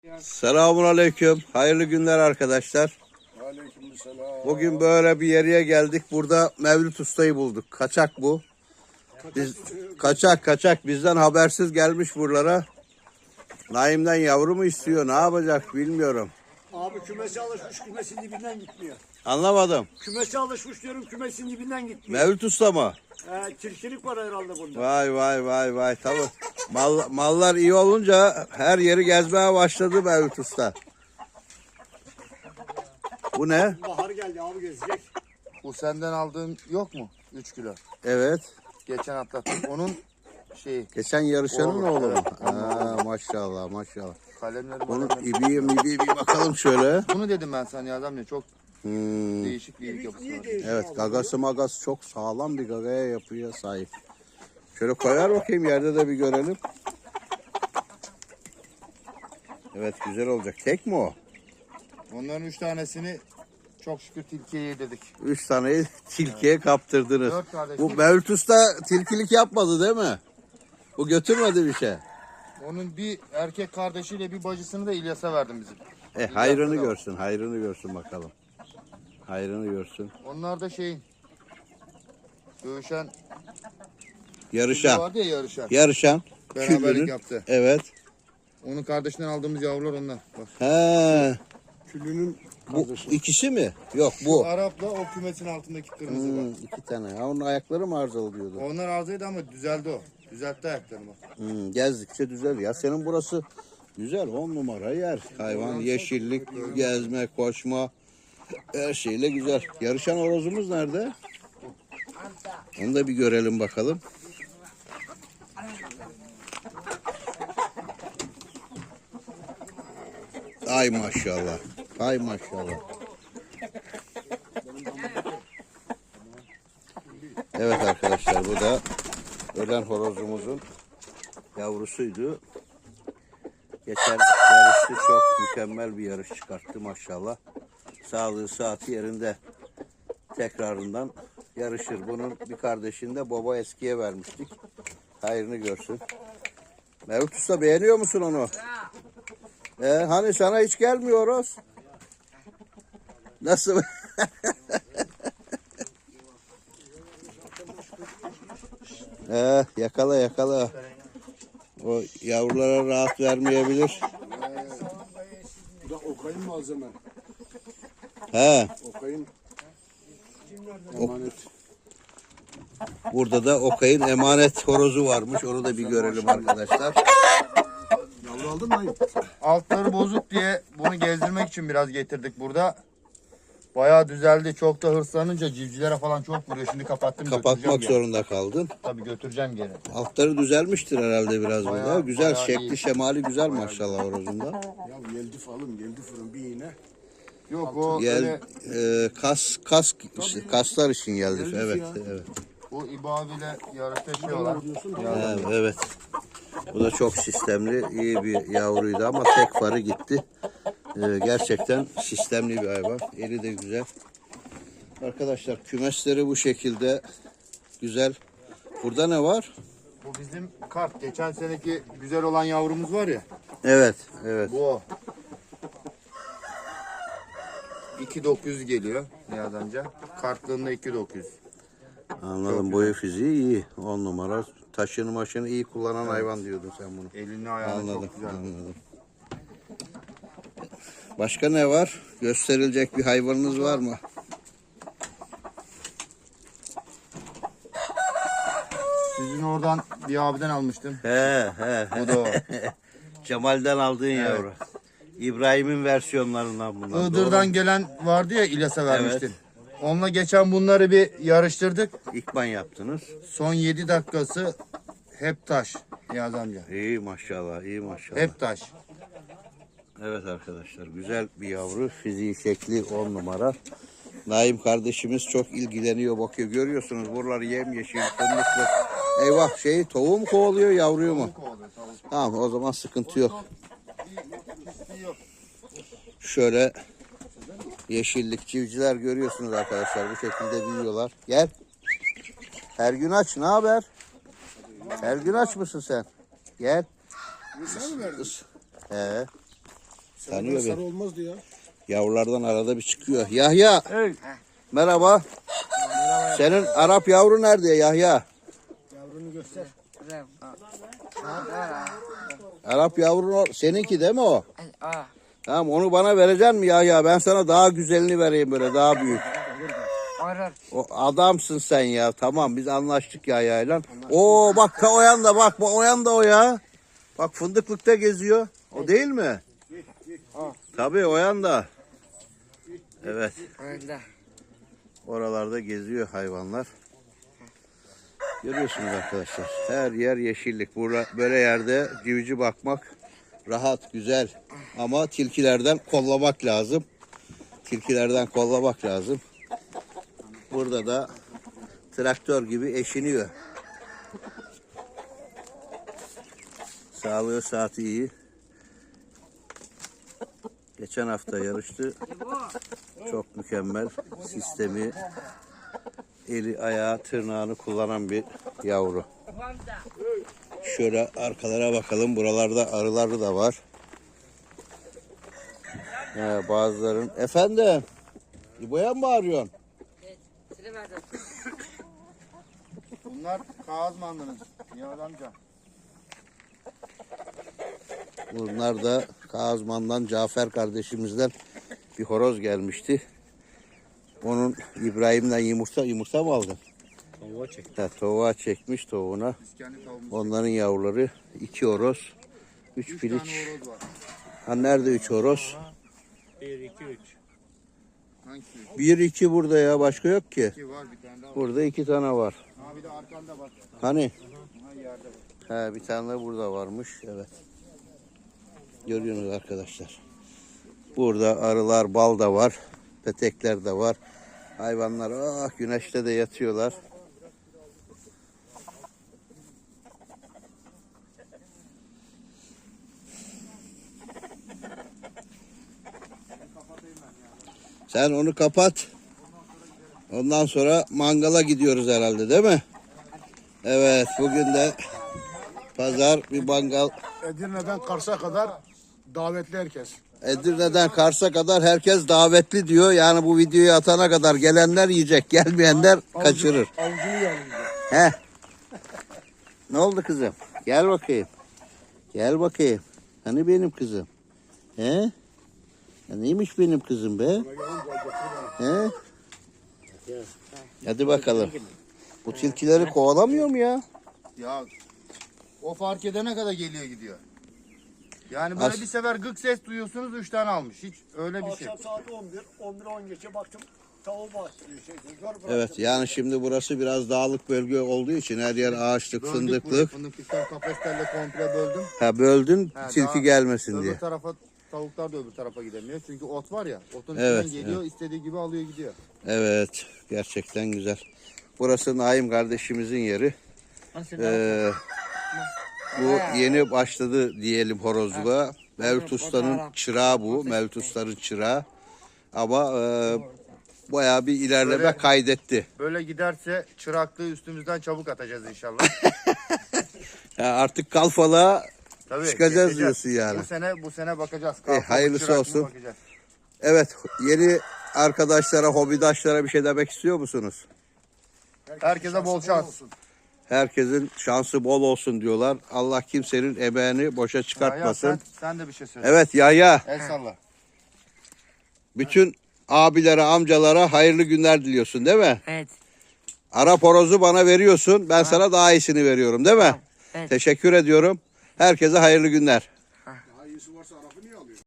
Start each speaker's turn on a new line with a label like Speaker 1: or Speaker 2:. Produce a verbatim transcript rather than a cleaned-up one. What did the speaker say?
Speaker 1: Selamun aleyküm. Hayırlı günler arkadaşlar.
Speaker 2: Aleykümselam.
Speaker 1: Bugün böyle bir yere geldik. Burada Mevlüt Usta'yı bulduk. Kaçak bu. Biz, kaçak kaçak bizden habersiz gelmiş buralara. Naim'den yavru mu istiyor? Ne yapacak bilmiyorum.
Speaker 2: Abi kümesi alışmış, kümesin dibinden gitmiyor.
Speaker 1: Anlamadım.
Speaker 2: Kümesi alışmış diyorum, kümesin dibinden gitmiyor.
Speaker 1: Mevlüt Usta mı?
Speaker 2: Ee, tilkilik var herhalde bunda.
Speaker 1: Vay vay vay vay. Tabii. Mal, mallar iyi olunca her yeri gezmeye başladı Mevlüt Usta. Bu ne?
Speaker 2: Bahar geldi abi gezecek.
Speaker 3: Bu senden aldığın yok mu? üç kilo.
Speaker 1: Evet.
Speaker 3: Geçen atlattık. Onun şeyi
Speaker 1: Geçen yarışanın
Speaker 3: Oğlum,
Speaker 1: oğlu mu?
Speaker 3: evet.
Speaker 1: Ha, maşallah maşallah.
Speaker 3: kalemleri
Speaker 1: Bunun
Speaker 3: malemleri.
Speaker 1: ibiği mibiği bir bakalım şöyle.
Speaker 3: Bunu dedim ben sana ya adam ya çok
Speaker 1: Hmm.
Speaker 3: değişik bir iyilik yapısı
Speaker 2: Niye
Speaker 3: var.
Speaker 2: değişiyor
Speaker 1: Evet
Speaker 2: abi?
Speaker 1: gagası magası çok sağlam bir gagaya yapıya sahip. Şöyle koyar bakayım yerde de bir görelim. Evet güzel olacak. Tek mi o?
Speaker 3: Onların üç tanesini çok şükür tilkiye yedirdik.
Speaker 1: Üç taneyi tilkiye kaptırdınız.
Speaker 3: Dört kardeş.
Speaker 1: Bu Mevlüt Usta tilkilik yapmadı değil mi? Bu götürmedi bir şey.
Speaker 3: Onun bir erkek kardeşiyle bir bacısını da İlyas'a verdim bizim.
Speaker 1: E hayrını görsün, hayrını görsün bakalım. Hayrını görsün.
Speaker 3: Onlar da şeyin dövüşen
Speaker 1: Yarışan.
Speaker 3: vardı ya yarışan.
Speaker 1: Yarışan.
Speaker 3: Beraberlik
Speaker 1: Küllünün.
Speaker 3: yaptı.
Speaker 1: Evet.
Speaker 3: Onun kardeşinden aldığımız yavrular onlar. Bak.
Speaker 1: He.
Speaker 2: Küllünün
Speaker 1: Bu ikisi mi? Yok
Speaker 3: Bu
Speaker 1: bu.
Speaker 3: Arap'la o kümesin altındaki kırmızı
Speaker 1: Hmm,
Speaker 3: bak.
Speaker 1: iki tane. Ha, onun ayakları mı arızalı diyordu?
Speaker 3: Onlar arzuydu ama düzeldi o. Düzeltti ayaklarını bak.
Speaker 1: Hmm, gezdikçe düzel. Ya senin burası güzel. On numara yer. Hayvan, yeşillik, gezme, koşma. Her şeyle güzel. Yarışan horozumuz nerede? Onu da bir görelim bakalım. Ay maşallah. Ay maşallah. Evet arkadaşlar bu da ölen horozumuzun yavrusuydu. Geçen yarıştı, çok mükemmel bir yarış çıkarttı maşallah. Sağlığı saati yerinde, tekrarından yarışır. Bunun bir kardeşini de baba eskiye vermiştik. Hayrını görsün. Mevlüt Usta beğeniyor musun onu? Ee, hani sana hiç gelmiyoruz. Nasıl? ee, yakala yakala. O yavrulara rahat vermeyebilir.
Speaker 2: Bu da Okay'ın malzeme.
Speaker 1: He,
Speaker 2: Okay'ın emanet.
Speaker 1: burada da Okay'ın emanet horozu varmış. Onu da bir görelim arkadaşlar.
Speaker 2: Yavru aldın mı?
Speaker 3: Altları bozuk diye bunu gezdirmek için biraz getirdik burada. Bayağı düzeldi. Çok da hırslanınca civcivlere falan çok vuruyor. Şimdi kapattım.
Speaker 1: Kapatmak
Speaker 3: götüreceğim geri.
Speaker 1: zorunda kaldın.
Speaker 3: Tabii götüreceğim geri.
Speaker 1: Altları düzelmiştir herhalde biraz burada.
Speaker 3: Bayağı-
Speaker 1: Güzel,
Speaker 3: bayağı
Speaker 1: şekli
Speaker 3: iyi.
Speaker 1: şemali güzel maşallah horozunda.
Speaker 2: Ya geldi falım, geldi fırın bir iğne.
Speaker 3: Yok o
Speaker 1: Gel,
Speaker 3: öyle
Speaker 1: e, kas kas işte, kaslar için geldi.
Speaker 2: Geldi
Speaker 1: Evet,
Speaker 2: ya.
Speaker 1: evet.
Speaker 3: o İbo abiyle yarışlaşıyorlar.
Speaker 2: Diyorsun da
Speaker 1: Evet, evet. Bu da çok sistemli, iyi bir yavruydu ama tek farı gitti. Ee, gerçekten sistemli bir hayvan. Eli de güzel. Arkadaşlar kümesleri bu şekilde güzel. Burada ne var?
Speaker 3: Bu bizim kart. Geçen seneki güzel olan yavrumuz var ya.
Speaker 1: Evet, evet.
Speaker 3: Bu o. iki bin dokuz yüz geliyor Nihat amca. Kartlığında iki bin dokuz yüz.
Speaker 1: Anladım. Boyu fiziği iyi. On numara. Taşını maşını iyi kullanan hayvan diyordun sen bunu.
Speaker 3: Elini ayağını
Speaker 1: Anladım,
Speaker 3: çok güzel.
Speaker 1: anladım. Başka ne var? Gösterilecek bir hayvanınız var mı?
Speaker 3: Sizin oradan bir abiden almıştım.
Speaker 1: He, he.
Speaker 3: Bu da o.
Speaker 1: Cemal'den aldığın yavru. İbrahim'in versiyonlarından bunlar.
Speaker 3: Iğdır'dan gelen vardı ya İlyas'a vermiştin. Onunla geçen bunları bir yarıştırdık.
Speaker 1: Doğru. İkman yaptınız.
Speaker 3: Son yedi dakikası hep taş Nihat amca.
Speaker 1: İyi maşallah, iyi maşallah.
Speaker 3: Hep taş.
Speaker 1: Evet arkadaşlar, güzel bir yavru. Fiziği, şekli on numara. Naim kardeşimiz çok ilgileniyor, bakıyor. Görüyorsunuz buralar yemyeşil, fındıklı. Eyvah, şey tavuğu mu kovalıyor, yavruyu mu? Tamam, o zaman sıkıntı yok. Şöyle yeşillik civciler görüyorsunuz arkadaşlar. Bu şekilde büyüyorlar. Gel. Her gün aç. Ne haber? Her gün aç mısın sen? Gel.
Speaker 2: Sen mi verdin?
Speaker 1: He. Tanıyor
Speaker 2: Sarı
Speaker 1: beni.
Speaker 2: olmazdı ya.
Speaker 1: Yavrulardan arada bir çıkıyor. Yahya.
Speaker 3: Hey.
Speaker 1: Merhaba. Senin Arap yavru nerede Yahya?
Speaker 2: Yavrunu göster.
Speaker 1: Arap yavru o- seninki değil mi o? Tamam onu bana vereceksin mi Yahya? Ben sana daha güzelini vereyim böyle daha büyük. O adamsın sen ya. Tamam biz anlaştık Yahya'yla. Oo bak ta o yanda bak bu o yanda o ya. Bak fındıklıkta geziyor. O değil mi? Tabii o yanda. Evet. Oralarda geziyor hayvanlar. Görüyorsunuz arkadaşlar. Her yer yeşillik. Burada böyle yerde civciv bakmak rahat, güzel. Ama tilkilerden kollamak lazım. Tilkilerden kollamak lazım. Burada da traktör gibi eşiniyor. Sağlığı saati iyi. Geçen hafta yarıştı. Çok mükemmel. Sistemi, eli, ayağı, tırnağını kullanan bir yavru. Şöyle arkalara bakalım. Buralarda arıları da var. He, bazıların. Efendim? İbo'ya mı bağırıyorsun?
Speaker 3: Bunlar kağız mandınız. Nihat amca.
Speaker 1: Bunlar da Kazman'dan Cafer kardeşimizden bir horoz gelmişti. Onun İbrahim'den yumurta yumurta mı aldın?
Speaker 2: Tavuğa çek.
Speaker 1: Ha, tavuğa çekmiş tavuğuna.
Speaker 3: Biz kendi tavuğumuz.
Speaker 1: Onların yavruları iki horoz, üç,
Speaker 3: Üç
Speaker 1: piliç.
Speaker 3: tane horoz var.
Speaker 1: Ha nerede üç horoz?
Speaker 2: bir, iki, üç.
Speaker 3: Hangisi?
Speaker 1: Bir iki burada ya başka yok ki.
Speaker 3: İki var, bir tane daha var.
Speaker 1: Burada iki tane var.
Speaker 3: Ha bir de arkanda var.
Speaker 1: Hani?
Speaker 3: Ha yerde var.
Speaker 1: Ha bir tane de burada varmış. Evet. Görüyorsunuz arkadaşlar. Burada arılar, bal da var. Petekler de var. Hayvanlar ah güneşte de yatıyorlar. Sen onu kapat. Ondan sonra mangala gidiyoruz herhalde değil mi? Evet bugün de pazar bir mangal.
Speaker 2: Edirne'den Kars'a kadar davetli herkes.
Speaker 1: Edirne'den Kars'a kadar herkes davetli diyor. Yani bu videoyu atana kadar gelenler yiyecek, gelmeyenler kaçırır.
Speaker 2: Avucunu yalayacak.
Speaker 1: He. Ne oldu kızım? Gel bakayım. Gel bakayım. Hani benim kızım? He? Ya neymiş benim kızım be? He? Hadi bakalım. Bu tilkileri kovalamıyor mu ya?
Speaker 3: Ya o fark edene kadar geliyor gidiyor. Yani böyle
Speaker 1: As-
Speaker 3: bir sefer gık ses duyuyorsunuz üç tane almış. Hiç öyle bir şey.
Speaker 4: Akşam saat on bir, on bir on geçe baktım tavuğu bastırıyor şey. Gör bıraktım.
Speaker 1: Evet yani şimdi burası biraz dağlık bölge olduğu için her yer ağaçlık,
Speaker 3: Böldük burayı.
Speaker 1: fındıklık.
Speaker 3: Fındıklıktan kafeslerle komple böldüm.
Speaker 1: Ha böldün
Speaker 3: Ha,
Speaker 1: tilki
Speaker 3: daha
Speaker 1: gelmesin
Speaker 3: Öbür
Speaker 1: diye.
Speaker 3: tarafa tavuklar da öbür tarafa gidemiyor. Çünkü ot var ya. Otun
Speaker 1: Evet,
Speaker 3: içinden geliyor, istediği gibi alıyor gidiyor.
Speaker 1: Evet gerçekten güzel. Burası Naim kardeşimizin yeri. Ee, bu yeni başladı diyelim horozluğa. Mevlüt Usta'nın çırağı bu. Mevlüt Usta'nın çırağı. Ama e, bayağı bir ilerleme
Speaker 3: Böyle-
Speaker 1: kaydetti.
Speaker 3: Böyle giderse çıraklığı üstümüzden çabuk atacağız inşallah.
Speaker 1: Ya artık kalfalığa
Speaker 3: Tabii,
Speaker 1: çıkacağız
Speaker 3: geçeceğiz.
Speaker 1: diyorsun yani.
Speaker 3: Bu sene bu sene bakacağız.
Speaker 1: E,
Speaker 3: Kalkıp
Speaker 1: hayırlısı
Speaker 3: çırak mı
Speaker 1: olsun.
Speaker 3: bakacağız.
Speaker 1: Evet yeni arkadaşlara, hobidaşlara bir şey demek istiyor musunuz?
Speaker 3: Herkese bol şans.
Speaker 1: Herkesin şansı bol olsun diyorlar. Allah kimsenin emeğini boşa
Speaker 3: Ya,
Speaker 1: çıkartmasın.
Speaker 3: sen, sen de bir şey söyle.
Speaker 1: Evet Yahya.
Speaker 3: El salla.
Speaker 1: Bütün abilere, amcalara hayırlı günler diliyorsun değil mi?
Speaker 5: Evet.
Speaker 1: Arap horozu bana veriyorsun. Ben sana daha iyisini veriyorum değil mi?
Speaker 5: Evet.
Speaker 1: Teşekkür ediyorum. Herkese hayırlı günler.
Speaker 2: Daha iyisi varsa Arap